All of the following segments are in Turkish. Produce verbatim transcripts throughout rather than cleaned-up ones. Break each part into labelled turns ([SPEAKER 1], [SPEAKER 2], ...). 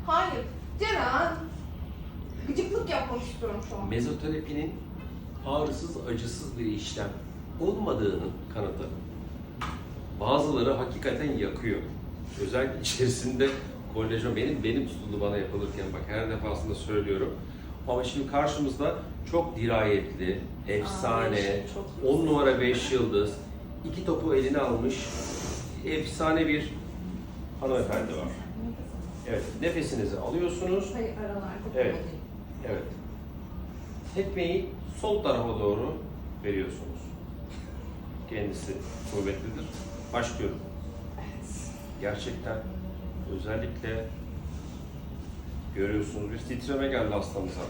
[SPEAKER 1] Hayır. Ceren. Gıcıklık yapmak istiyorum şu an.
[SPEAKER 2] Mezoterapinin ağrısız, acısız bir işlem olmadığının kanıtı. Bazıları hakikaten yakıyor. Özellikle içerisinde kolajen, benim benim tutuldu bana yapılırken, bak her defasında söylüyorum. Ama şimdi karşımızda çok dirayetli, efsane, on numara beş yıldız, iki topu eline almış, efsane bir hanımefendi var. Evet, nefesinizi alıyorsunuz.
[SPEAKER 1] Hayır, aralarda.
[SPEAKER 2] Evet, evet. Tekmeyi sol tarafa doğru veriyorsunuz. Kendisi kuvvetlidir. Başlıyorum. Gerçekten özellikle görüyorsunuz bir titreme geldi hastamıza.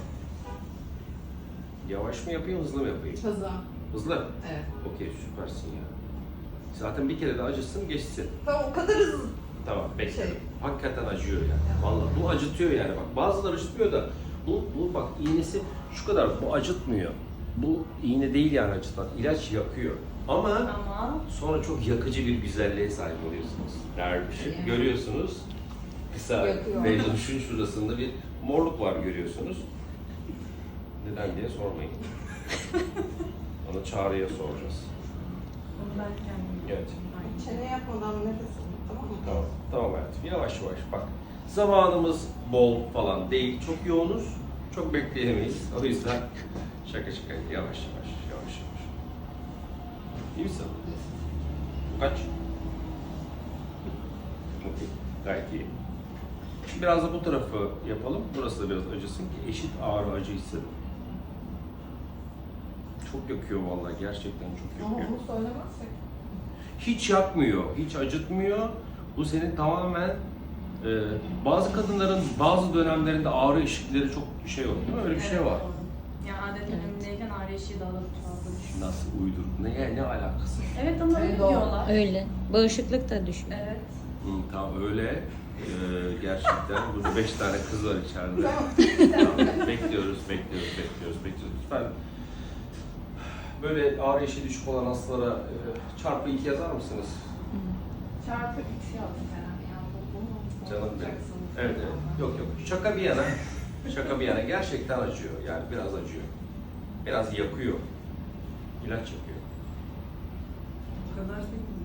[SPEAKER 2] Yavaş mı yapayım, hızlı mı yapayım?
[SPEAKER 1] Hızlı.
[SPEAKER 2] Hızlı?
[SPEAKER 1] Evet.
[SPEAKER 2] Okey, süpersin ya. Zaten bir kere de acısın, geçsin.
[SPEAKER 1] Tamam, o kadar hızlı.
[SPEAKER 2] Tamam, bekle.
[SPEAKER 1] Şey.
[SPEAKER 2] Hakikaten acıyor yani. Vallahi bu acıtıyor yani bak. Bazıları acıtmıyor da bu, bu bak iğnesi şu kadar, bu acıtmıyor. Bu iğne değil yani acıtan. İlaç yakıyor. Ama
[SPEAKER 3] Ama
[SPEAKER 2] sonra çok yakıcı bir güzelliğe sahip oluyorsunuz. Dervişim. Görüyorsunuz. Kısa
[SPEAKER 1] Yakıyor.
[SPEAKER 2] mevzuşun şurasında bir morluk var görüyorsunuz. Neden diye sormayın. Onu Çağrı'ya soracağız.
[SPEAKER 3] onu ben kendim
[SPEAKER 2] Evet.
[SPEAKER 1] Çene yapmadan nefes alın, tamam mı?
[SPEAKER 2] Tamam, tamam hayatım. Yavaş yavaş bak. Zamanımız bol falan değil. Çok yoğunuz. Çok bekleyemeyiz. O yüzden şaka şaka yavaş yavaş, yavaş yavaş. İyi misin? Kaç? Okey, gayet iyi. Şimdi biraz da bu tarafı yapalım. Burası da biraz acısın ki eşit ağrı acı hissedin. Çok yakıyor vallahi, gerçekten çok
[SPEAKER 1] Ama
[SPEAKER 2] yakıyor.
[SPEAKER 1] onu söylemezsek.
[SPEAKER 2] Hiç yakmıyor, hiç acıtmıyor. Bu senin tamamen e, bazı kadınların bazı dönemlerinde ağrı eşikleri çok şey oluyor değil mi? Öyle bir şey var.
[SPEAKER 3] Yani adet dönemindeyken ağrı eşiği daha da fazla düşüyor.
[SPEAKER 2] Nasıl uydurdun? Ne, ne alakası?
[SPEAKER 3] Evet ama öyle
[SPEAKER 1] Evet, doğru.
[SPEAKER 3] diyorlar.
[SPEAKER 4] Öyle. Bağışıklık da düşüyor.
[SPEAKER 3] Evet.
[SPEAKER 2] Hı, tamam öyle. E, gerçekten burada beş tane kız var içeride.
[SPEAKER 1] Tamam.
[SPEAKER 2] bekliyoruz, bekliyoruz, bekliyoruz, bekliyoruz. Lütfen böyle ağrı eşiği düşük olan hastalara e, çarpı iki yazar mısınız?
[SPEAKER 1] Çarpı üç yazdım herhalde. Yani bu mu?
[SPEAKER 2] Canım benim.
[SPEAKER 1] Yapacaksınız.
[SPEAKER 2] Evet, evet. Yok yok. Şaka bir yana, şaka bir yana gerçekten acıyor. Yani biraz acıyor. Biraz yakıyor. İlaç yapıyor.
[SPEAKER 3] O kadar değil.